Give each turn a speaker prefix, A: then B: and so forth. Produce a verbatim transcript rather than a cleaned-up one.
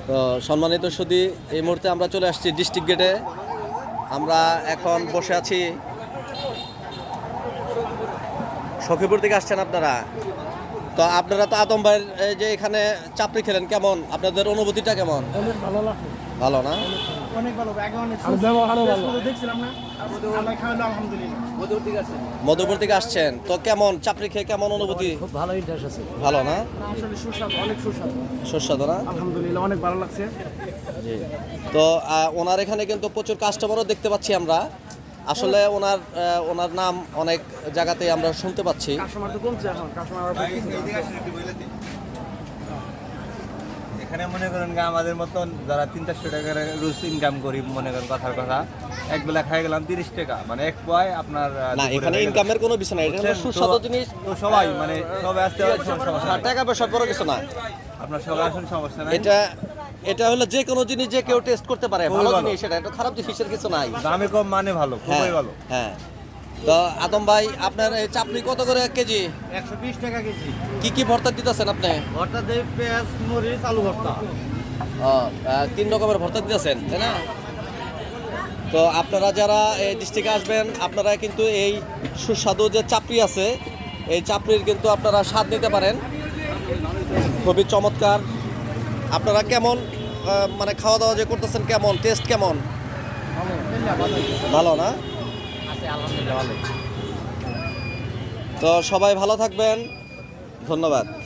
A: তো সম্মানিত সুধী, এই মুহূর্তে আমরা চলে আসছি ডিস্ট্রিক্ট গেটে। আমরা এখন বসে আছি। সখীপুর থেকে আসছেন আপনারা, তো আপনারা তো আতম ভাইয়ের এই যে এখানে চাপড়ি খেলেন, কেমন আপনাদের অনুভূতিটা কেমন?
B: অনেক ভালো লাগে,
A: ভালো না?
B: অনেক ভালো, আগে অনেক ব্যবহারও ভালো দেখছিলাম না, আমরা খাওয়ালো আলহামদুলিল্লাহ। মধুপুর থেকে আসছেন?
A: মধুপুর থেকে আসছেন, তো কেমন চাপড়ি খেয়ে কেমন অনুভূতি?
B: খুব ভালো ইন্টারেস্ট আছে,
A: ভালো না?
B: আসলে সুস্বাদু, অনেক সুস্বাদু,
A: সুস্বাদু না?
B: আলহামদুলিল্লাহ অনেক ভালো লাগছে।
A: জি। তো আহ, ওনার এখানে কিন্তু প্রচুর কাস্টমারও দেখতে পাচ্ছি আমরা। আসলে ওনার আহ, ওনার নাম অনেক জায়গাতে আমরা শুনতে পাচ্ছি।
B: কাস্টমার তো কমছে এখন, কাস্টমার
C: এখানে মনে করেন গা আমাদের মতন যারা তিন চারশো টাকার রোজ ইনকাম করি, মনে করেন কথার কথা এক বেলা খাই গেলাম তিরিশ টাকা, মানে এক পয় আপনার আহ,
A: না,
C: দুপুরে
A: এখানে
C: হয়ে গেল।
A: ইনকামের কোনো বিষয় নাই, এটা হলো
C: বুঝছেন?
A: সুস্বাদু
C: তো-
A: জিনিস।
C: তো সবাই মানে সবাই আসতে পারে, কোনো সমস্যা নাই।
A: টাকা পয়সা বড় কিছু না।
C: আপনার সবাই আসুন, সমস্যা নাই।
A: এটা এটা হলো যে কোনো জিনিস যে কেউ টেস্ট করতে পারে,
C: খুবই
A: ভালো
C: ভালো।
A: জিনিস, এটা এটা খারাপ জিনিসের কিছু নাই।
C: দামে কম মানে ভালো,
A: হ্যাঁ
C: খুবই ভালো।
A: হ্যাঁ। তো আদম ভাই, আপনার এই চাপড়ি কত করে কেজি?
C: একশো বিশ টাকা কেজি।
A: কি কি ভর্তা দিতেছেন আপনি?
C: ভর্তা দেয় পেঁয়াজ, মরিচ, আলু ভর্তা।
A: ও, আহ, তিন রকমের ভর্তা দিতেছেন, তাই না? তো আপনারা যারা এই ডিস্ট্রিক্টে আসবেন, আপনারা কিন্তু এই সুস্বাদু যে চাপড়ি আছে, এই চাপড়ির কিন্তু আপনারা স্বাদ নিতে পারেন। খুবই চমৎকার। আপনারা কেমন আহ, মানে খাওয়া দাওয়া যে করতেছেন, কেমন টেস্ট কেমন? ভালো না? তো সবাই ভালো থাকবেন, ধন্যবাদ।